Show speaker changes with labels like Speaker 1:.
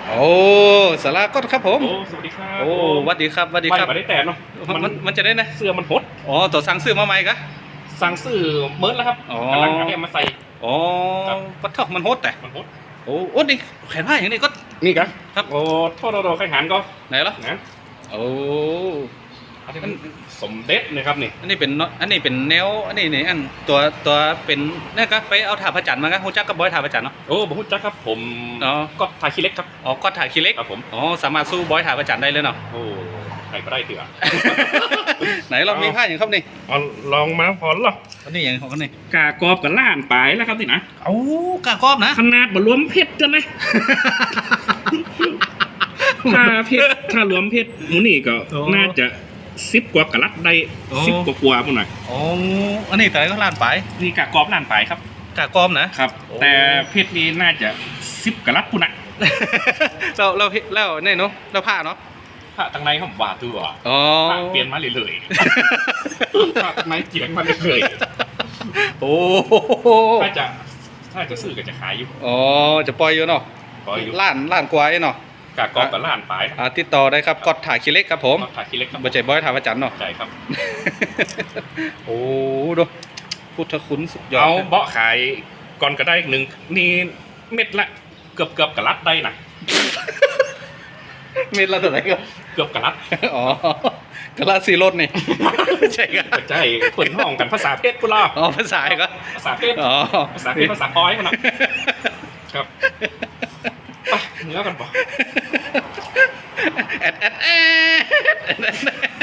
Speaker 1: โอ้สาราก็ครับผม
Speaker 2: โอ้สวัสดีครับ
Speaker 1: โอ้วัดดีครับวัดดีครับ
Speaker 2: ไม่ได้แต่เนาะ
Speaker 1: มันจะได้นะ
Speaker 2: เสื้อมันหด
Speaker 1: อ๋อตัวสั่งซื้อมาใหม่กะ
Speaker 2: สั่งซื้อเมิร์ดแล้วครับ
Speaker 1: อ๋อ
Speaker 2: กำลังเอามาใส่
Speaker 1: อ๋อปัดเท่ามันโหดแต่
Speaker 2: มันหด
Speaker 1: โอ้โอ้นี่แขนผ้าอย่างนี้ก็
Speaker 2: นี่กะ
Speaker 1: ครับ
Speaker 2: โอ้โทษโดใครหารก็
Speaker 1: ไหนล่ะ
Speaker 2: นะ
Speaker 1: โอ้
Speaker 2: อันนี้สมเด็จนะครับนี่
Speaker 1: อันนี้เป็นแนวอันนี้อันตัวเป็นนี่ก็ไปเอาถาพระจันทร์มาครับฮู้จักกับบอยถาพระจันทร์เนาะ
Speaker 2: โอ้ผมรู้จักครับผม
Speaker 1: อ๋อ
Speaker 2: ก็ถ่ายขี้เล็กครับ
Speaker 1: อ๋อก็ถ่ายคีเล็ก
Speaker 2: ครับผม
Speaker 1: อ๋อสามารถสู้บอยถาพระจันทร์ได้เลยเนาะ
Speaker 2: โอ้ใครก็ได้เถื่อ
Speaker 1: ไหนลองมีผ้าอย่างครับนี่
Speaker 2: เอาลองมาพอหรอ
Speaker 1: อันนี้อย่างของกันนี่
Speaker 2: กากรอบกับล้านปลายแล้วครับนี่นะ
Speaker 1: เอ้ากากรอบนะ
Speaker 2: ขนาดบรวมเพชรกันนะ ถ้าเพชรถ้ารวมเพชรหมูนี่ก็น่าจะ10 กว่ากะลัดได้10 กว่าๆพุ่นหน่อย
Speaker 1: อ๋ออันนี้แต่ก็ล้านไป
Speaker 2: นี่กากรอบล้านปลายครับ
Speaker 1: กากรอบนะครับ
Speaker 2: แต่เพชรนี่น่าจะ10 กะลัดพุ่นน่ะ
Speaker 1: เราเนี่ยเนาะเราผ้าเนาะ
Speaker 2: ถ้าทางในเขาว่าตัว
Speaker 1: อ๋อ
Speaker 2: ถ้าเปลี่ยนมาเรื่อยๆถ้าทางในเปลี่ยนมาเรื่อย
Speaker 1: โอ้
Speaker 2: ๆถ้าจะซื้อก็จะขายอยู่
Speaker 1: อ๋อจะปล่อยอยู่เนาะ
Speaker 2: ขออยู่
Speaker 1: ล้านกว่าเนาะ
Speaker 2: กากรอบกับล้านปลาย
Speaker 1: ติดต่อได้ครับกดถ่ายคิเล็กครับผม
Speaker 2: ก็ถ่ายขี้เล็กครับ
Speaker 1: บ่ใจบอยถ่ายประจันเนาะ
Speaker 2: ใช่ครับ
Speaker 1: โอ้ดูพุทธคุณสุดยอด
Speaker 2: เอาเบาะขายก่อนก็ได้หนึ่งนี่เม็ดละเกือบกะลัดได้นะ
Speaker 1: เม็ดละเท่าไหร่ครับ
Speaker 2: เกือบกะลัด
Speaker 1: อ๋อกระลาสีรถนี่ ใช่ครับ
Speaker 2: ใช่เปิดห้องกันภาษาเพชรพุล่ะ
Speaker 1: อ๋อภาษาก็
Speaker 2: ภาษาเพชร
Speaker 1: อ๋อ
Speaker 2: ภาษาเพชรภาษาปอยมันนะครับไปเนื้อกันปะ
Speaker 1: แอด